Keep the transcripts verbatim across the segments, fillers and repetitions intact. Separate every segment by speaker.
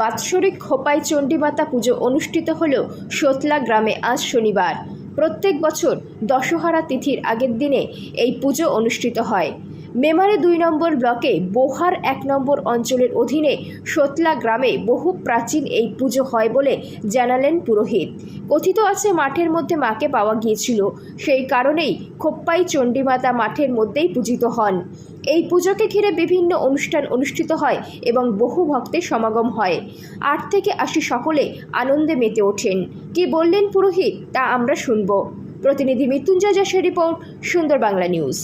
Speaker 1: বাৎসরিক খোপাই চণ্ডীমাতা পুজো অনুষ্ঠিত হল সোতলা গ্রামে আজ শনিবার। প্রত্যেক বছর দশহরা তিথির আগের দিনে এই পুজো অনুষ্ঠিত হয়। মেমারি দুই নম্বর ব্লকে বোহার এক নম্বর অঞ্চলের অধীনে সোতলা গ্রামে বহু প্রাচীন এই পুজো হয় বলে জানালেন পুরোহিত। কথিত আছে মাঠের মধ্যে মাকে পাওয়া গিয়েছিল, সেই কারণেই খোপ্পাই চণ্ডীমাতা মাঠের মধ্যেই পূজিত হন। এই পুজোকে ঘিরে বিভিন্ন অনুষ্ঠান অনুষ্ঠিত হয় এবং বহু ভক্তের সমাগম হয়। আট থেকে আশি সকলে আনন্দে মেতে ওঠেন। কি বললেন পুরোহিত তা আমরা শুনব। প্রতিনিধি মৃত্যুঞ্জয় যশের রিপোর্ট, সুন্দর বাংলা নিউজ।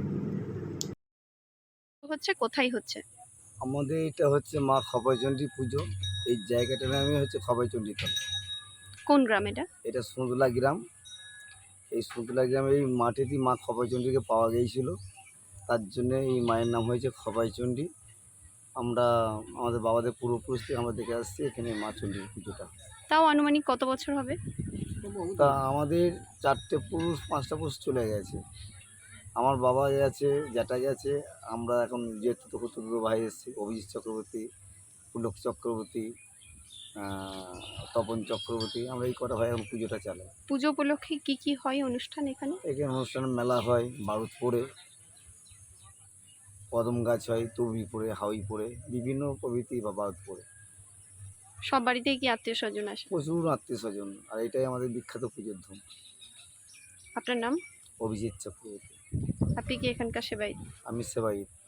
Speaker 2: হচ্ছে কোথায় হচ্ছে?
Speaker 3: আমাদের এটা হচ্ছে মা খপাইচণ্ডী পুজো। এই জায়গাটার নামই হচ্ছে খপাইচণ্ডী তলা।
Speaker 2: কোন গ্রাম এটা?
Speaker 3: এটা সুন্দলা গ্রাম। এই সুন্দলা গ্রামে এই মাটিতেই মা খপাইচণ্ডীকে পাওয়া গিয়েছিল, তার জন্য এই মায়ের নাম হয়েছে খপাইচণ্ডী। আমরা আমাদের বাবাদের পূর্বপুরুষ থেকে আমরা দেখে আসছি এখানে মা চণ্ডীর পুজোটা।
Speaker 2: তাও আনুমানিক কত বছর হবে?
Speaker 3: তা আমাদের চারটে পুরুষ পাঁচটা পুরুষ চলে গেছে। আমার বাবা গেছে, জ্যাঠা গেছে, আমরা এখন যেহেতু তো কত ভাই এসেছি, অভিজিৎ চক্রবর্তী, পুলক চক্রবর্তী, তপন চক্রবর্তী, আমরা এই কটা ভাই এখন পুজোটা চালাই।
Speaker 2: পুজো উপলক্ষে কি কি হয় অনুষ্ঠান এখানে?
Speaker 3: এখানে অনুষ্ঠান মেলা হয়, বারুদ পড়ে, কদম গাছ হয়, তুবড়ি পড়ে, হাউই পড়ে, বিভিন্ন প্রভৃতি বা বারুদ পড়ে।
Speaker 2: সব বাড়িতেই কি আত্মীয় স্বজন আসে?
Speaker 3: প্রচুর আত্মীয় স্বজন, আর এটাই আমাদের বিখ্যাত পুজোর ধুম।
Speaker 2: আপনার নাম?
Speaker 3: অভিজিৎ চক্রবর্তী।
Speaker 2: আপনি কি এখানকার সেবাই?
Speaker 3: আমি সেবাই।